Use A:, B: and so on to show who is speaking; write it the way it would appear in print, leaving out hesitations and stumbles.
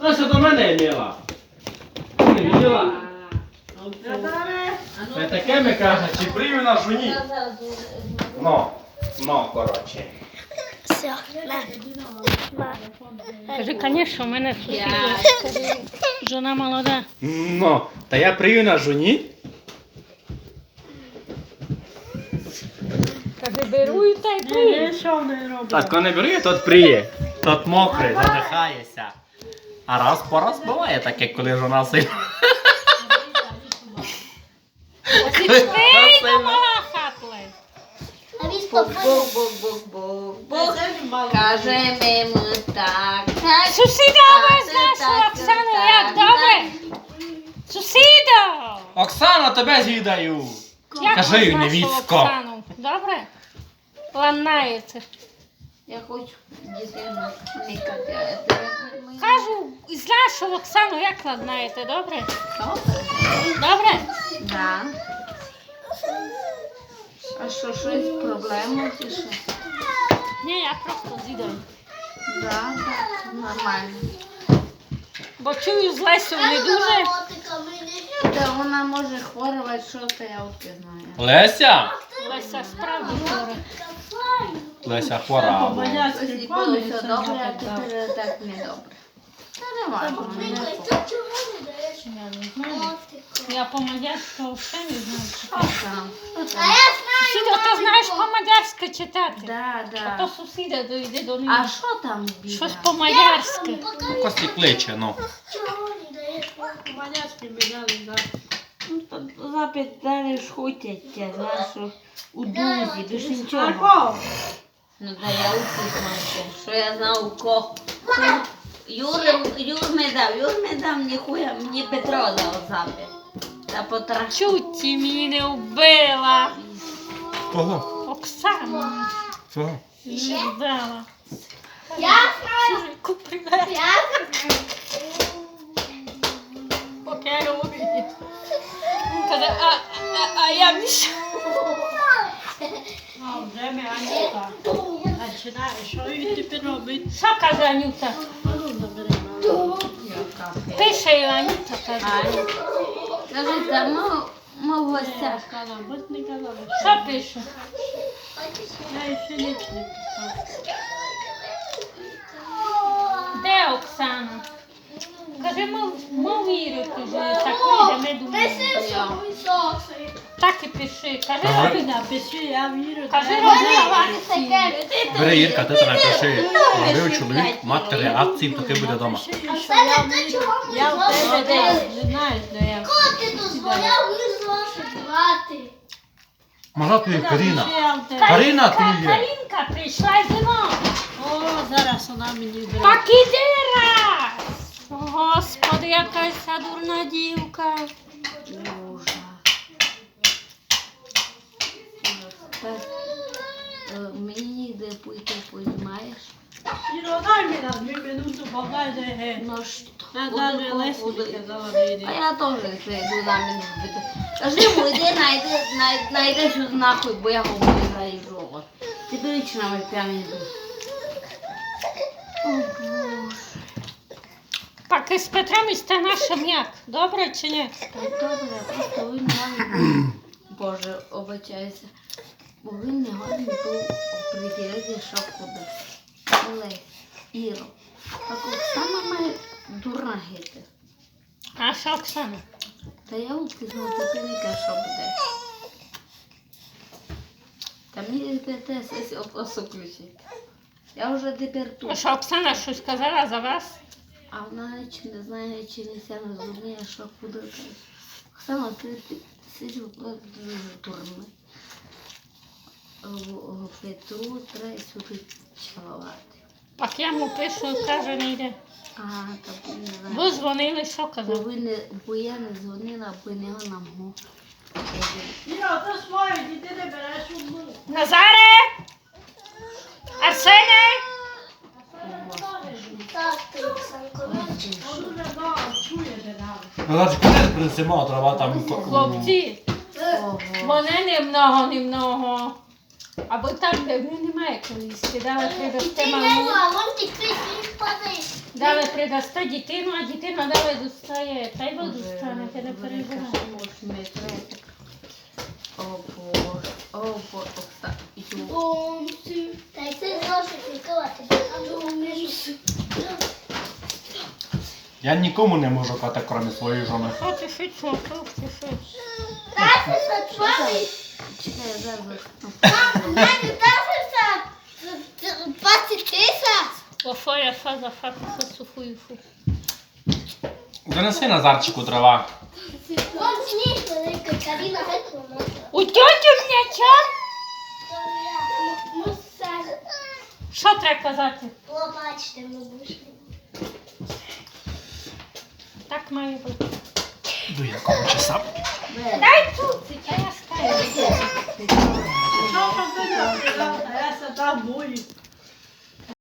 A: Настя до мене мила. Ти не виділа? Не таке ми каже, чи прийме на жуні? Ну, коротше.
B: Все,
C: Кажи, звісно, у мене сусідка. Жона молода.
A: Ну, та я прию на жуні.
C: Каже, беру та й прию.
A: Так, коли не беру, тот приє. Тот мокрий, задихається. А раз по раз буває таке, коли жона сильно.
C: Ей, домаха, плей.
B: а він
D: Бог. Кажемо так.
C: Сусіда ви нашу Оксану, як добре? Сусіда!
A: Оксана, тебе з'їдаю.
C: Як
A: Кажи,
C: ви нашу
A: невістко.
C: Оксану? Добре? Ланаєте.
D: Я хочу дитину мікати.
C: Кажу, із нашу Оксану як ладнаєте, добре? Добре?
D: Да. А що, щось проблема чи що?
C: Ні, я просто з'їдаю.
D: Да, так, нормально.
C: Бо чую з Лесю не дуже.
D: Та вона може хворувати, що то я от не знаю.
A: Леся?
C: Леся справді хвора.
A: Леся хвора.
D: Ось було все добре, а тепер так не добре. Та нормально, не
C: Я по-мадярськи взагалі не знаю читати.
D: там.
C: Сусіда, ти знаєш по-мадярськи читати?
D: Да,
C: А то
D: да.
C: сусіда дойде до
D: А
C: них.
D: що там біда?
C: Щось по-мадярськи.
A: Кості кличе, ну.
D: Ну, то запитали ж хотять тя, знаєш, що у дузі, більш нічого. Ну, да я упізнався, що я знав у кого. Юр me дав, ніхуя, мені Петро дав запит. Та потраш.
C: Чуть мені не вбила.
A: Кого?
C: Оксану
A: Кого?
C: не вбила.
B: Я
C: Чужику привет. Поки я говорю. Він каже, а я міша. Що каже Анюта? Пише Анюта, каже.
D: Кажи, та ми в гостях.
C: Що пише? Де Оксана? Каже, мов вірити, що так вийде, ми думаємо. Так і пиши. Кажи, Робіна. Кажи, Робіна.
A: Бери, Ірка, ти там напиши. Робив чоловік, мати реакції, поки буде вдома.
B: Я в тебе не знаю, де я. Коли ти дозволяв визвати?
A: Мала ти Каріна. Каріна ти є.
C: Карінка прийшла й зима.
E: О, зараз вона мені зробить.
C: Так іди раз. Господи, якась дурна дівка.
D: Ужас. Мені ніде пойти, понімаєш?
E: Іро, дай мені на 2 минути, подай де.
D: Ну що?
E: Я навіть Лесі казала, не йди.
D: А я теж зайду на мене вбити. Кажи йому, йди, найди щось нахуй, бо я його виграю в робот. Ти вічно ми п'яні. О, Боже.
C: Так і з Петром і сте нашим як? Добре чи ні?
D: Так добре, просто він гарний. Боже, обачайся. Бо він не гарний був оприділити, що куди. Але, Іро, так Оксана має дурна гити.
C: А що Оксана?
D: Та я упізнав, ти не кажеш, що буде. Та мені тепер сесію просто включити. Я вже тепер
C: А
D: тут.
C: що Оксана щось сказала за вас?
D: А вона чи не знає, чи не ся не розуміє, що куди каже. Оксана, ти сидів дуже дурний. Петру треба сюди чалувати.
C: Так я йому пишу, каже, не йде.
D: Ага, так не знаю.
C: Ви дзвонили, що казав?
D: Бо я не дзвонила, бо не вона мого.
E: Іро, то своє, ти не береш одну.
C: Назаре! Арсене!
B: Так, ти, Оксанко,
E: Он уже знав, чує, де нам.
A: Ну, значить, коли принесемо, треба там...
C: Хлопці,
D: Ого.
C: мене немного. Або там, де немає коли скидала, треба з
B: ти
C: тема.
B: не вон ти кричиш, падаєш.
C: Дали придасте дитину, а дитина дали достає. Та й ви достанете, не переживайте.
D: О Боже, о Боже, Оксана.
B: Та й це зошит відкривати.
A: Я нікому не можу кати, крім своєї жони.
C: Що ти швидше, що ти швидше?
B: Та це за твої.
D: Чекай, я зараз.
B: Мене та це 20 тисяч.
C: Офоя фаза фата сухую фу.
A: Донеси Назарчику трава.
B: Вон сніг великий, Каріна геть
C: У тьоті м'яча?
B: Мусаж.
C: Що треба казати?
B: Побачите, ми вийшли.
C: Так має бути.
A: До якого часа?
C: Дай тут, а я скажу.
E: Що ти не придав, а я садав мої.